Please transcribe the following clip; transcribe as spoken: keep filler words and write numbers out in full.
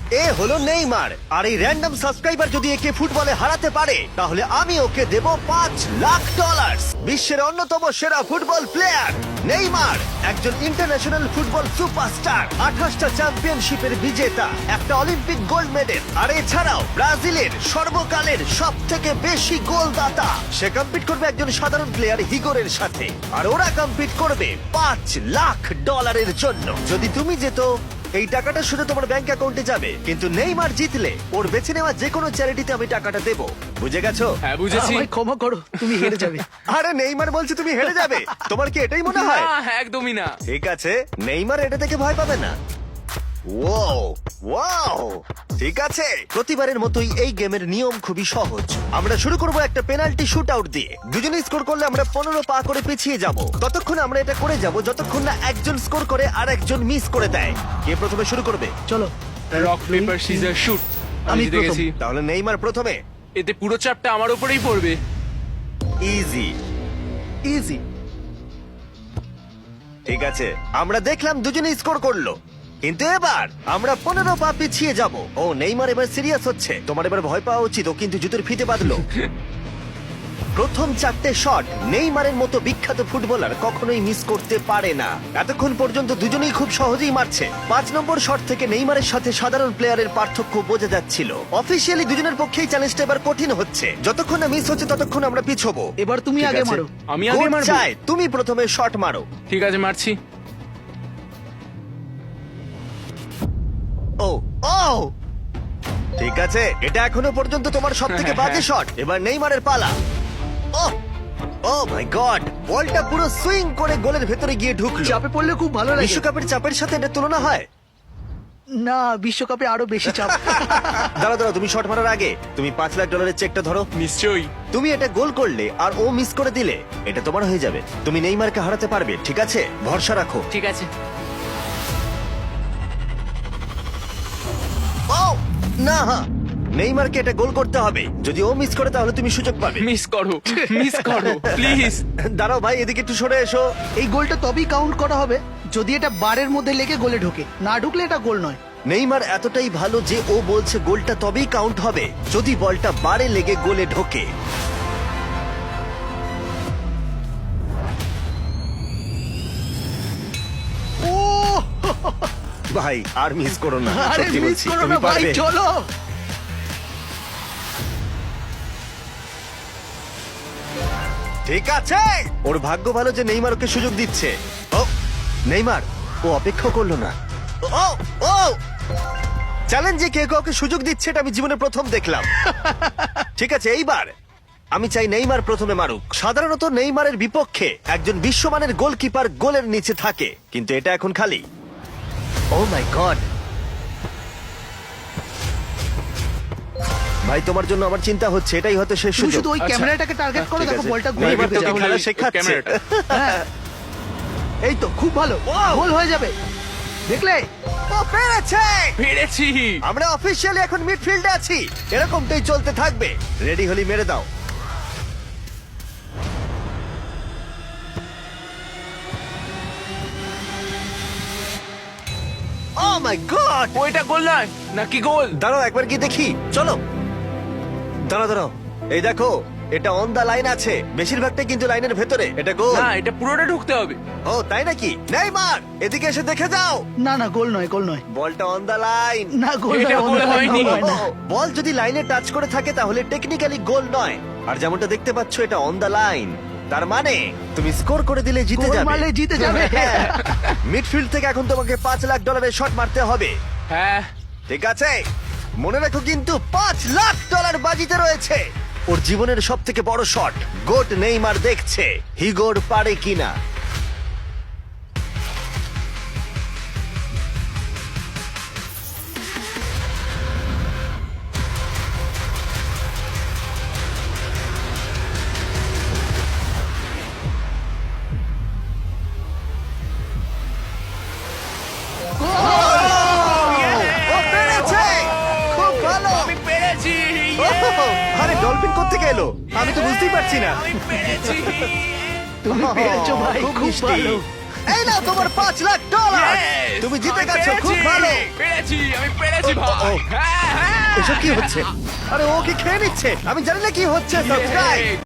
এ হলো নেইমার, আর এই random subscriber যদি একে ফুটবলে হারাতে পারে তাহলে আমি ওকে দেব পাঁচ লাখ ডলার। বিশ্বের অন্যতম সেরা ফুটবল প্লেয়ার নেইমার একজন ইন্টারন্যাশনাল ফুটবল সুপারস্টার, আঠাশটা চ্যাম্পিয়নশিপের বিজেতা, একটা অলিম্পিক গোল্ড মেডেল, আর এছাড়াও ব্রাজিলের সর্বকালের সব থেকে বেশি গোলদাতা। সে কম্পিট করবে একজন সাধারণ প্লেয়ার হিগোরের সাথে, আর ওরা কম্পিট করবে পাঁচ লাখ ডলারের জন্য। যদি তুমি যেত এই টাকাটা শুধু তোমার ব্যাংক অ্যাকাউন্টে যাবে, কিন্তু নেইমার জিতলে ওর বেছে নেওয়া যে কোনো চ্যারিটিতে আমি টাকাটা দেবো। বুঝে গেছো? হ্যাঁ বুঝেছি। আমায় ক্ষমা করো, তুমি হেরে যাবে। আরে নেইমার বলছে তুমি হেরে যাবে, তোমার কি এটাই মনে হয়? না, একদমই না। ঠিক আছে, নেইমার এটা থেকে ভয় পাবে না। ওয়াও ওয়াও ঠিক আছে, প্রতিবারের মতোই এই গেমের নিয়ম খুবই সহজ। আমরা শুরু করব একটা পেনাল্টি শুট আউট দিয়ে। দুজনে স্কোর করলে আমরা পনেরো পা করে পিছিয়ে যাব। ততক্ষণ আমরা এটা করে যাব যতক্ষণ না একজন স্কোর করে আর একজন মিস করে দেয়। কে প্রথমে শুরু করবে? চলো রক পেপার সিজার শুট। আমি আমি জিতে প্রথম। গেছি। তাহলে নেইমার প্রথমে। এতে পুরো চাপটা আমার উপরেই পড়বে। Easy easy. ঠিক আছে, আমরা দেখলাম দুজনে স্কোর করলো, কিন্তু এবার আমরা পনেরো পা পিছিয়ে যাব। ও নেইমার এবার সিরিয়াস হচ্ছে, তোমার এবার ভয় পাওয়া উচিত। ও কিন্তু জুতোর ফিতে বাঁধলো। প্রথম চারটে শট নেইমারের মতো বিখ্যাত ফুটবলার কখনোই মিস করতে পারে না। এতক্ষণ পর্যন্ত দুজনেই খুব সহজেই মারছে। পাঁচ নম্বর শট থেকে নেইমারের সাথে সাধারণ প্লেয়ারের পার্থক্য বোঝা যাচ্ছিল। অফিসিয়ালি দুজনের পক্ষেই চ্যালেঞ্জটা এবার কঠিন হচ্ছে। যতক্ষণ না মিস হচ্ছে ততক্ষণ আমরা পিছবো। এবার তুমি ঠিক আগে আছে? মারো। আমি আগে কোচ মারবো? চায় তুমি প্রথমে শট মারো। ঠিক আছে, মারছি। ও ও ঠিক আছে, এটা এখনো পর্যন্ত তোমার সব থেকে বাজে শট। এবার নেইমারের পালা। ও ও মাই গড, বলটা পুরো সুইং করে গোলের ভেতরে গিয়ে ঢুকলো। চাপে পড়লে খুব ভালো লাগে। বিশ্বকাপের চাপের সাথে এটা তুলনা হয়? না, বিশ্বকাপে আরো বেশি চাপ। দাঁড়াও দাঁড়াও, তুমি শট মারার আগে তুমি পাঁচ লাখ ডলারের চেকটা ধরো। নিশ্চয়ই। তুমি এটা গোল করলে আর ও মিস করে দিলে এটা তোমার হয়ে যাবে। তুমি নেইমারকে হারাতে পারবে, ঠিক আছে? ভরসা রাখো। ঠিক আছে। ও না, নেইমারকে এটা গোল করতে হবে। যদি ও মিস করে তাহলে তুমি সুযোগ পাবে। মিস করো, মিস করো প্লিজ। দাঁড়াও ভাই, এদিকে একটু সরে এসো। এই গোলটা তবেই কাউন্ট করা হবে যদি এটা বারের মধ্যে লেগে গোলে ঢোকে। না ঢুকলে এটা গোল নয়। নেইমার এতটাই ভালো যে ও বলছে গোলটা তবেই কাউন্ট হবে যদি বলটা বারে লেগে গোলে ঢোকে। ও ভাই আর মিস করো না, আরে সত্যি মিস বলছি, করো তুমি না ভাই, পারবে। চলো। ঠিক আছে, ওর ভাগ্য ভালো যে নেইমার ওকে সুযোগ দিচ্ছে। ও নেইমার, ও অপেক্ষা করলো না। ও ও চ্যালেঞ্জে কে কাউকে সুযোগ দিচ্ছে এটা আমি জীবনে প্রথম দেখলাম। ঠিক আছে, এইবার আমি চাই নেইমার প্রথমে মারুক। সাধারণত নেইমারের বিপক্ষে একজন বিশ্বমানের গোলকিপার গোলের নিচে থাকে, কিন্তু এটা এখন খালি। ও মাই গড ভাই, তোমার জন্য আমার চিন্তা হচ্ছে। এটাই হয়তো শেষ তুমি সুযোগ। শুধু ওই আচ্ছা। ক্যামেরাটাকে টার্গেট করো, ঠিক দেখো আছে। বলটা গোলে নেইমার ঢুকে তোকে যাবে। খেলা শেখাচ্ছে। ক্যামেরাটা। হ্যাঁ। এই তো খুব ভালো, Wow! গোল হয়ে যাবে। দেখলে? ও পেরেছে! পেরেছি। আমরা অফিসিয়ালি এখন মিডফিল্ডে আছি। এরকমটাই চলতে থাকবে। রেডি হলি মেরে দাও। Oh my god! ওইটা গোল নয় নাকি গোল? দাঁড়াও একবার কি দেখি, চলো। দাঁড়াও দাঁড়াও, এই দেখো এটা অন দা লাইন আছে। বেশিরভাগটাই কিন্তু লাইনের ভেতরে। এটা গোল। না, এটা পুরোটা ঢুকতে হবে। ও তাই নাকি? নেইমার এদিকে এসে দেখে যাও। না না, গোল নয়, গোল নয়। বলটা অন দা লাইন। না, গোল এটা নয়, গোল অন্য হয়নি। গোল হয় না। বল যদি লাইনে টাচ করে থাকে তাহলে টেকনিক্যালি গোল নয়। আর যেমনটা দেখতে পাচ্ছ এটা অন দা লাইন, তার মানে তুমি স্কোর করে দিলে জিতে গোল যাবে। মারলে জিতে যাবে। মিডফিল্ড থেকে এখন তোমাকে পাঁচ লাখ ডলারের শট মারতে হবে। হ্যাঁ। ঠিক আছে, মনে রাখো কিন্তু পাঁচ লাখ ডলার বাজিতে রয়েছে। ওর জীবনের সব থেকে বড় শট গোট নেইমার দেখছে হিগোর পারে কিনা। ও পেরেছে! খুব ভালো! আমি পেরেছি। ওহ, আরে ডলফিন কোত্থেকে এলো? আমি তো বুঝতেই পারছি না। আমি পেরেছি। তুমি পেরেছো ভাই, খুব খুব মিষ্টি। ভালো। এই নাও তোমার পাঁচ লাখ ডলার। Yes! তুমি জিতে আমি গেছো, খুব পেরেছি! ভালো। পেরেছি আমি পেরেছি ও, ও, ভাই ও। হ্যাঁ হ্যাঁ এসব কি হচ্ছে? আরে ও কি খেয়ে নিচ্ছে? আমি জানি না কি হচ্ছে। Subscribe Yay!